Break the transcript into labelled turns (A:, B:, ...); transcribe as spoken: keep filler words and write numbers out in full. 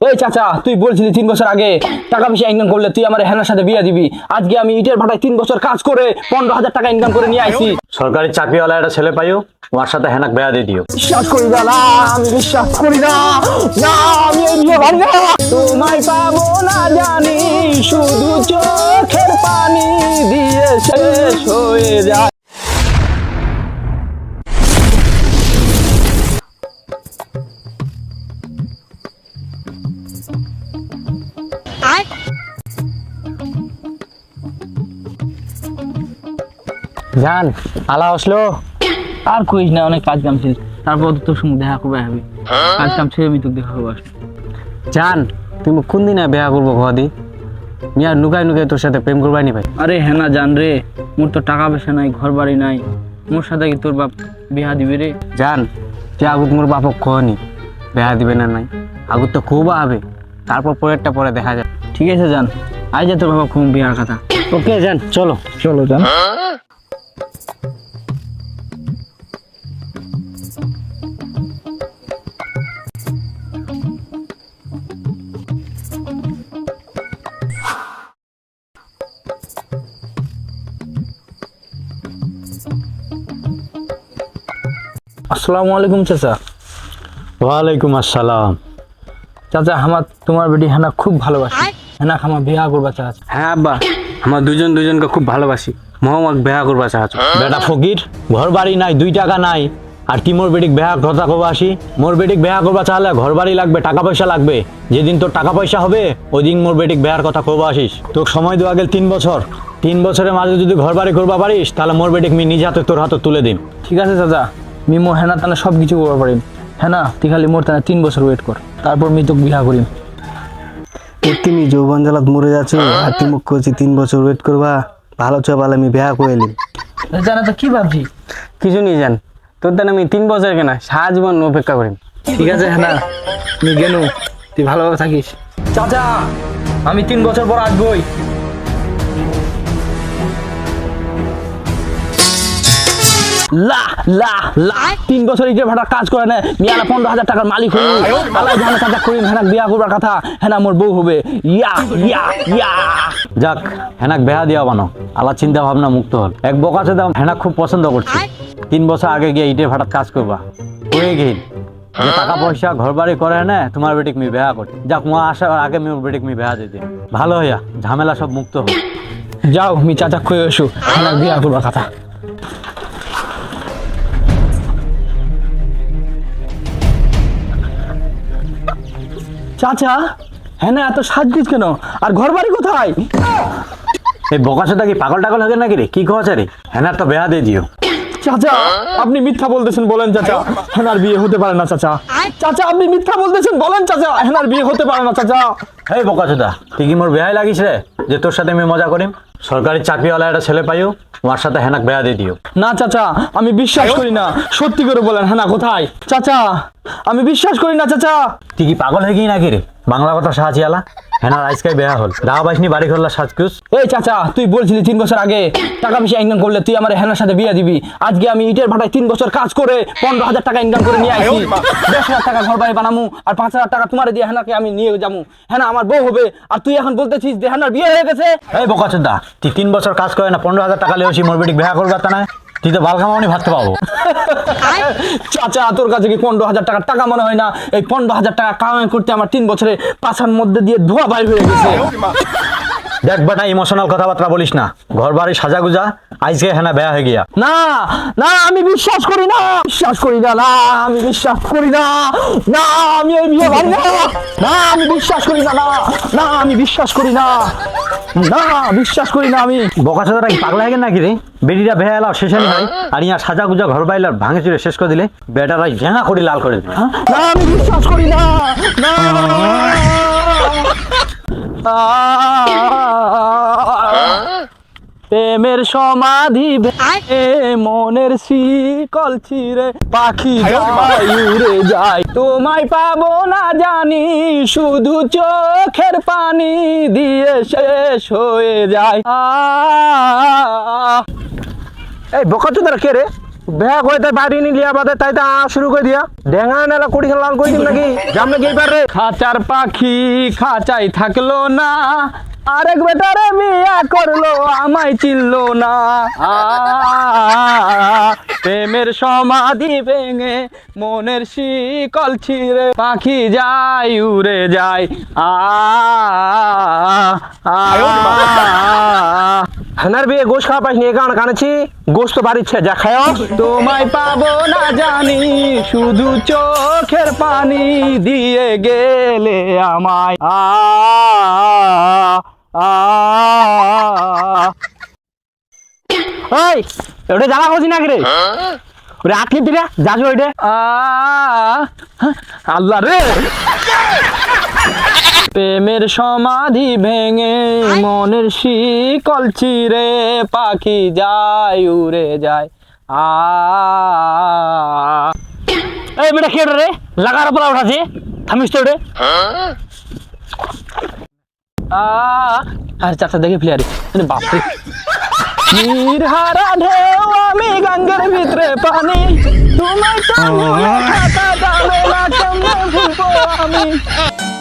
A: এই চাচা, তুই বলছিলি তিন বছর আগে টাকা পয়সা ইনকাম করলে তুই আমার হেনার সাথে বিয়ে দিবি। আজকে আমি ইটের ভাটায় তিন বছর কাজ করে পনেরো হাজার টাকা ইনকাম করে নিয়ে আইছি।
B: সরকারি চাকরিওয়ালা একটা ছেলে পাইও, ওর সাথে হেনাক বেয়া দিয়ে দিও।
A: বিশ্বাস করি না, না আমি বিশ্বাস করি না, না আমি এই বিয়ে ভাঙবো না। তোমায় পাবো না জানি, শুধু চোখের পানি দিয়ে শেষ হয়ে যায়।
B: জান আলা আসলো।
A: আর কইস না, অনেক কাজ কাম ছিল। তারপর তোর সঙ্গে দেখা করবে হবে, কাজ কাম ছেড়ে আমি তোকে দেখা করবো।
B: জান তুমি কোন দিনে বেয়া করবো ঘদি? মিয়া নুকাই নুকাই তোর সাথে প্রেম করবাই নি ভাই।
A: আরে হ্যাঁ না জান রে, মোর তো টাকা পয়সা নাই, ঘর বাড়ি নাই, মোর সাথে কি তোর বাপ বিয়া দিবে রে?
B: জান যে আগুত মোর বাপক খনি বেয়া দিবে না নাই, আগুত তো খুব হবে, তারপর পরেরটা পরে দেখা যায়।
A: ঠিক আছে জান, আই যা তোর বাবা খুব বিয়ার কথা।
B: ওকে জান, চলো
A: চলো জান। আসসালামু আলাইকুম চাচা।
B: ওয়ালাইকুম আসসালাম।
A: চাচা আমার তোমার বেটি হেনা খুব ভালোবাসি, হেনা আমার বিয়া করবা চাচা।
B: হ্যাঁ আব্বা, আমার দুজন দুজনকে খুব ভালোবাসি, মোহাম্মদ বেয়া করবা চাচ্ছ। বেটা ফকির, ঘর বাড়ি নাই, দুই টাকা নাই, আর কি মোর বেটিক বেয়া কথা কব আসি? মোর বেটিক বেয়া করবা চাহলে ঘর বাড়ি লাগবে, টাকা পয়সা লাগবে। যেদিন তোর টাকা পয়সা হবে ওই দিন মোর বেটিক বেয়ার কথা কব আসিস। তোর সময় দেওয়া গেল তিন বছর, তিন বছরের মাঝে যদি ঘর বাড়ি করবা পারিস তাহলে মোর বেটিক মি নিজ হাতে তোর হাতে তুলে দিন।
A: ঠিক আছে চাচা, মি মোর হেনা তানে সব কিছু করতে পারিম। হেনা তুই খালি মোর তানে তিন বছর ওয়েট কর, তারপর মি তোকে বিয়া করিম।
C: তুমি যৌবন জ্বালাত মরে যাচ্ছ আর তুমি মুখ করছি তিন বছর ওয়েট করবা? ভালো চা পালে আমি বিয়া করে এলিম।
A: জানা তো কি ভাবছি?
B: কিছু নিয়ে যান, তোর দ্বারা আমি তিন বছর কেনা সারা জীবন অপেক্ষা করিম।
A: ঠিক আছে হেনা, মি গেনু, তুই ভালোভাবে থাকিস। চাচা আমি তিন বছর পর আসবই। লা লা লা তিন বছর ইটের ভাটা কাজ করে না, মিয়ালা পনেরো হাজার টাকার মালিক হই। আলাই জানা চাচা করিম হেনাক বিয়া করবার কথা, হেনা মোর বউ হবে। ইয়া ইয়া ইয়া
B: যাক, হেনাক বেহা দিয়া বানো, আল্লাহ চিন্তা ভাবনা মুক্ত হল। এক বকাছে দাম হেনাক খুব পছন্দ করছে, তিন বছর আগে গিয়ে ইটের ভাটাত কাজ করবা হয়ে গেল। যে টাকা পয়সা ঘর বাড়ি করে না তোমার বেটিক মি বেহা করছে। যাক মা আসার আগে মোর বেটিক মি বেহা দিতে ভালো হইয়া ঝামেলা সব মুক্ত হল।
A: যাও মি চাচা কই এসো, হেনাক বিয়া করবার কথা। চাচা হেনা এত সাজগুজ কেন, আর ঘর বাড়ি কোথায়?
B: এই বকাশোটা কি পাগল টাগল হবে নাকি রে? কি কছে রে? হেনার তো বেহা দিয়ে দিও।
A: চাচা আপনি মিথ্যা বলতেছেন, বলেন চাচা হেনার বিয়ে হতে পারে না। চাচা চাচা আপনি মিথ্যা বলতেছেন, বলেন চাচা হেনার বিয়ে হতে পারে না। চাচা
B: এই বকাচোদা, তুই কি মোর বেহাই লাগিস রে যে তোর সাথে আমি মজা করিম? সরকারি চাকরিওয়ালা একটা ছেলে পাইও, ওর সাথে হেনাক বেয়া দিয়ে দিও।
A: না চাচা আমি বিশ্বাস করি না, সত্যি করে বলেন হেনা কোথায়? চাচা আমি বিশ্বাস করি না। চাচা
B: তুই কি পাগল হয়ে গিয়ে নাকি রে? বাংলা কথা সাহায্যালা হেনার আজকাই বেয়া হল, রাহা বাইসনি বাড়ি করলা সাজকুস।
A: এই চাচা তুই বলছিলি তিন বছর আগে টাকা পয়সা ইনকাম করলে তুই আমার হেনার সাথে বিয়ে দিবি। আজকে আমি ইটের ভাটায় তিন বছর কাজ করে পনেরো হাজার টাকা ইনকাম করে নিয়ে আসি। দশ হাজার টাকা ঘর বাড়ি বানামু, আর পাঁচ হাজার টাকা তোমার দিয়ে হেনাকে আমি নিয়ে যাবো। হেনা আমার বউ হবে, আর তুই এখন বলতেছিস যে হেনার বিয়ে হয়ে গেছে।
B: এই বকাচোদা, তুই তিন বছর কাজ করে না পনেরো হাজার টাকা লেওছি মোর বেটিক বেহা করবার তা না? তুই তো বাল খামাওনি ভাবতে পাবো।
A: চাচা তোর কাছে কি পনেরো হাজার টাকার টাকা মনে হয় না? এই পনেরো হাজার টাকা কামাই করতে আমার তিন বছরে পাছার মধ্যে দিয়ে ধোয়া বাইর হয়ে গেছে।
B: দেখ বেটা, ইমোশনাল কথাবার্তা বলিস না, ঘর বাড়ি সাজা গুজা, আজকে হেনা বেয়া হয়ে গিয়া।
A: না না আমি বিশ্বাস করি না, বিশ্বাস করি না, না আমি বিশ্বাস করি না, না আমি এই বিয়ে ভাঙি না, না আমি বিশ্বাস করি না, না না আমি বিশ্বাস করি না, না বিশ্বাস করি না আমি।
B: বকাচোদাটা কি পাগলা হয়ে গেল নাকি রে? বেটিটা বেহা এলাও শেষে হয়, আর ইয়া সাজা গুজা ঘর বাইলার ভাঙে চুরে শেষ করে দিলে বেটারাই জেঙা করে লাল করে দিবে।
A: না আমি বিশ্বাস করি না, না প্রেমের সমাধি ভেঙে মনের শিকল ছিঁড়ে পাখি উড়ে যায়, তোমায় পাবো না জানি, শুধু চোখের পানি দিয়ে শেষ হয়ে যায়।
B: এই বকাচোদারা কে রে? বেয়া করে তাই বাড়ি নি লিয়া বাদে তাই তা শুরু করে দিয়া ডেঙ্গা নেলা কোটি লাল করে দিম নাকি জাম নাকি এইবার রে
A: খাঁচার পাখি খাঁচাই থাকলো না, আরেক বেটারে বিয়া করলো আমায় চিনলো না। আ, প্রেমের সমাধি ভেঙে মনের শিকল ছিঁড়ে পাখি যায় উড়ে যায়। আ, আ,
B: হানার বিয়ে গোশ খাওয়া পাইনি এ গান কানেছি গোশ তো বাড়িচ্ছে যা খায়
A: তোমায় পাবো না জানি, শুধু চোখের পানি দিয়ে গেলে আমায়। আ, আ,
B: ওই ওটা জ্বালা হচ্ছি নাকি রে ওরে আটকে দিলে যাস ওইটা
A: আ, আল্লাহ রে, প্রেমের সমাধি ভেঙে মনের শিকল চিরে পাখি যায় উড়ে যায়। আ,
B: এই বেটা কে রে লাগার পর উঠাছে থামিস তো ওটা
A: আ, আরে চাচা দেখে ফেলে আরে বাপরে, নির্হারা ঢেউ আমি গঙ্গের ভিতরে পানি, তোমায় তো নিয়ে থাকা যাবে না, কেমনে ভুলবো আমি।